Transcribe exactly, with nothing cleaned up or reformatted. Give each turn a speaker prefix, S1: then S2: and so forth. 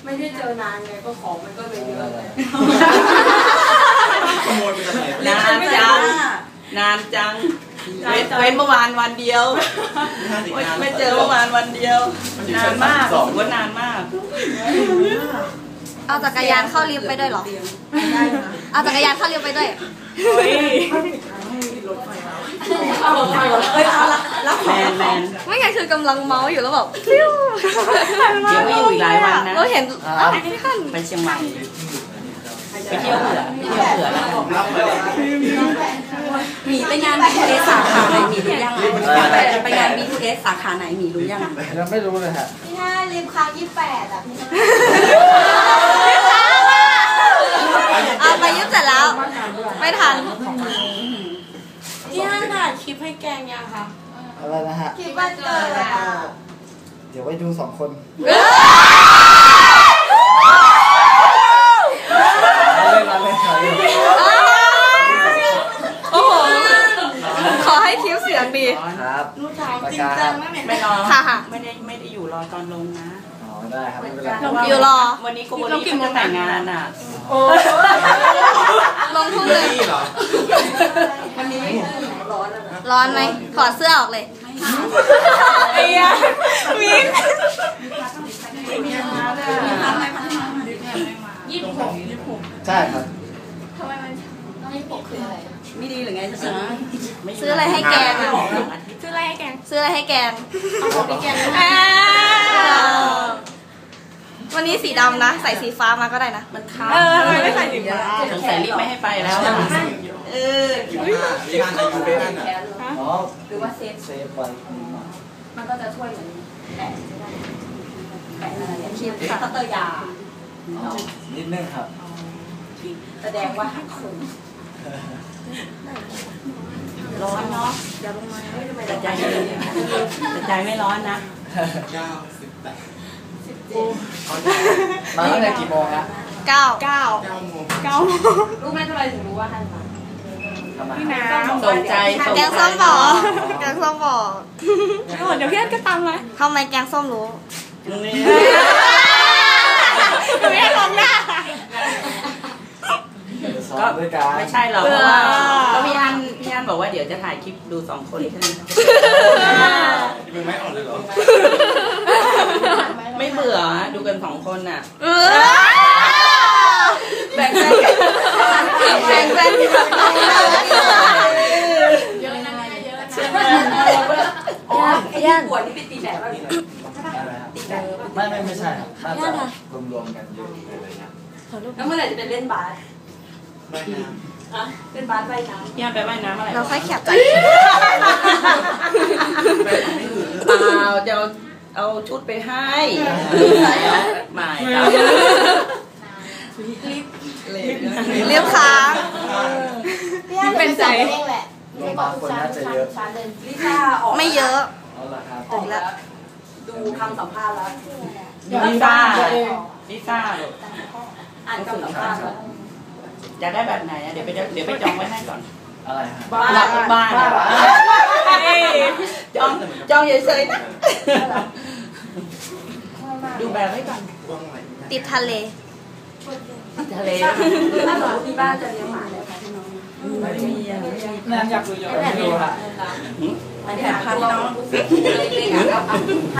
S1: ไม่ได้เจอนานไงก็ของมันก็เลยเยอะเลย
S2: ขโมยไปจากไหน
S3: นานจังนานจังเว้นเมื่อวานวันเดียวไม่เจอเมื่อวานวันเดียวนานมากถือว่านานมาก
S4: เอาจักรยานเข้าลิฟต์ไปด้วยเหรอเอาจักรยานเข้าลิฟต์ไปด้วย
S3: แมนแมน
S4: ไม่ไงคือกำลังเมาส์อยู่แล้วแบบฟิว
S3: เดี๋ยวไม่อยู่อีกหลายวันนะ
S4: เราเห็น
S3: ไปเชียงใหม่ไปเที่ยวเผื่อไปเที่ยวเผื่อแล้ว
S1: หมีไปงาน บี ทู เอส สาขาไหนหมีรู้ยังไปงาน บี ทู เอส สาขาไหนหมีรู้ยัง
S5: ยังไม่รู้เลยฮะ
S1: พี่ห้าริมค้างยี่สิบแปดอ่ะพี่
S4: เอาไปยึดเสร็จแล้วไม่ทัน
S1: พี่ห้าถ่ายคลิปให้แกงยังคะ
S5: อะไรนะฮะ
S1: คลิปวันเกิดอ่ะ
S5: เดี๋ยวไว้ดูสองคนเล่นมาเล่นมาเล่น
S4: โอ้โหขอให้คิ้วเสียงดี
S5: ครับ
S1: รู้ถามจริงจังนะเนี่ย
S3: ไม่รอ
S4: ค่ะค่ะ
S3: ไม่ได้ไม่ได้อยู่รอตอนลงนะ
S5: อ๋อได้ครับไม่เป็นไร
S4: อยู่รอ
S3: วันนี้โกโบลี่จะแต่งงานอ่ะ
S4: ลงทุนเลย
S1: วันนี้ร้อนแล้วนะ
S4: ร้อนไหมถอดเสื้อออกเลย
S1: ไอ้ยามิ้นยี่สิบหกยี่สิบหก
S5: ใช่ครับ
S1: ทำไมมันยี่สิบหกคืออะไรไม่ดีหรือไงจ๊ะ
S4: ซื้ออะไรให้แกง
S1: ซื้ออะไรให้แกง
S4: ซื้ออะไรให้แกง
S1: เอาของพี่แกง
S4: วันนี้สีดำนะใส่สีฟ้ามาก็ได้นะ
S3: มันค้า
S1: เออทำไมไม่ใส่สีฟ้า
S3: สงสัยรีบไม่ให้ไปแล้วเออ
S2: ที่งานอายุเป็นนั่นอ่ะ
S5: อ๋อ
S1: หรือว่าเซฟ
S5: เซฟไว้
S1: มันก็จะช่วยเหมือนแปะแปะอะไรเนี่ยคิดตัตยา
S5: นิดนึงครับ
S1: แสดงว่าหักคน
S3: ร้อนเนาะ
S1: อย่าลงมา
S3: แต่ใจแต่ใจไม่ร้อนนะ
S2: เก้าสิบแปด
S1: สิบเจ็ด
S5: มาตั้งแต่กี่โมงฮะ
S4: เก้า
S1: เก้า
S2: เก้าโมง
S1: เก้ารู้ไหมทำไมถึงรู้ว่าท่านมาพี่น้ำ
S3: สนใจ
S4: แกงส้มบอกแกงส้มบอก
S1: เดี๋ยวพี่อันก็ตามมา
S4: ทำไมแกงส้มรู้
S1: ไม่ให้ลงหน้า
S3: ก็ไม่ใช่หรอกเพราะว่าก็พี่อันพี่อันบอกว่าเดี๋ยวจะถ่ายคลิปดูสองคนใช่ไหม
S2: มึงไม่อ่อนเลยเหรอ
S3: ไม่เบื่อดูกันสองคนน่ะ
S4: แบ่งแบ่งแบ่งแบ่ง
S1: เยอะนะเยอะใช่ไหมย่านปวดนี่เป็นตีแหนป่ะตีแหน
S5: ไม่ไม่ไม่ใช่ครับน่าจะรวมๆกันเยอะอะไรเงี้ย
S1: แล้วเมื่อไหร่จะเป็นเล่นบาสเล่นบาสว่ายน้ำ
S3: ย่าไปว่ายน้ำอะไร
S4: เราค่อยแคบใจ
S3: เปล่าจะเอาเอาชุดไปให้ไม่
S4: เรียบค้าง
S1: เป็นใจ
S5: รวมบางคนน่าจะเยอะ
S1: ลิซ่าออก
S4: ไม่เยอะ
S1: ออกแล้วดูคำสัมภาษณ์แล้ว
S3: ลิซ่าลิซ่า
S1: อ่านคำสัมภาษณ์แล้ว
S3: อยากได้แบบไหนเดี๋ยวไปเดี๋ยวไปจองไว้ให้ก่อน
S5: อะไร
S3: บ้านบ้านจองจองเฉยๆนะดูแบบไว้ก่อน
S4: ติดทะเล
S3: ทะเล
S1: ถ้าสมมติที่บ้านจะเลี้ยงหมาเลยค่ะพี่น้อง
S5: ไม่มีนั่นอยากดูเยอะไม่ดูค่ะ
S1: อันนี้พันน้องเล็กๆ